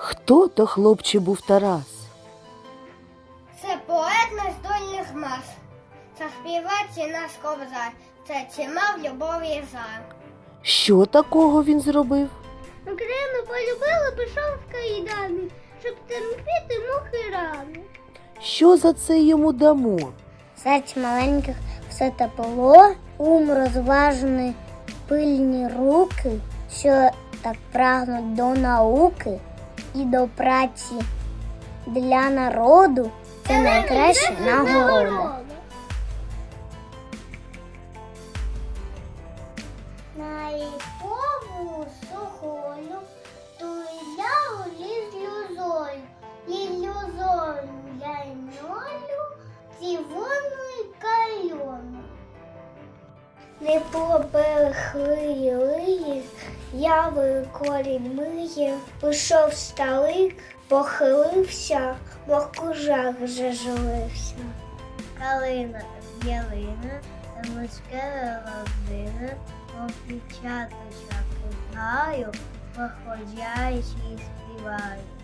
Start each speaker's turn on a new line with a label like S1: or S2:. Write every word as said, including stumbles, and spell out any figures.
S1: Хто то хлопче був Тарас?
S2: Це поет нездольних мас. Це співець і наш кобзар. Це чимав любові жар.
S1: Що такого він зробив?
S2: Україну полюбила, пішов в кайдани, щоб терпіти мухи рани.
S1: Що за це йому дамо?
S2: Серць маленьких все тепло, ум розважений, пильні руки, що так прагнуть до науки і до праці для народу. Це найкраща нагорода. На ліпову сухою, ту ля ліз люзою, лілюзою ляньолю, цівону й кальону. Не поберегли їх, яви корінь миє, пішов сталик, похилився, мов кужак вже живився. Калина ялина, та морська родина, мов дівчаточок знаю, походять і співають.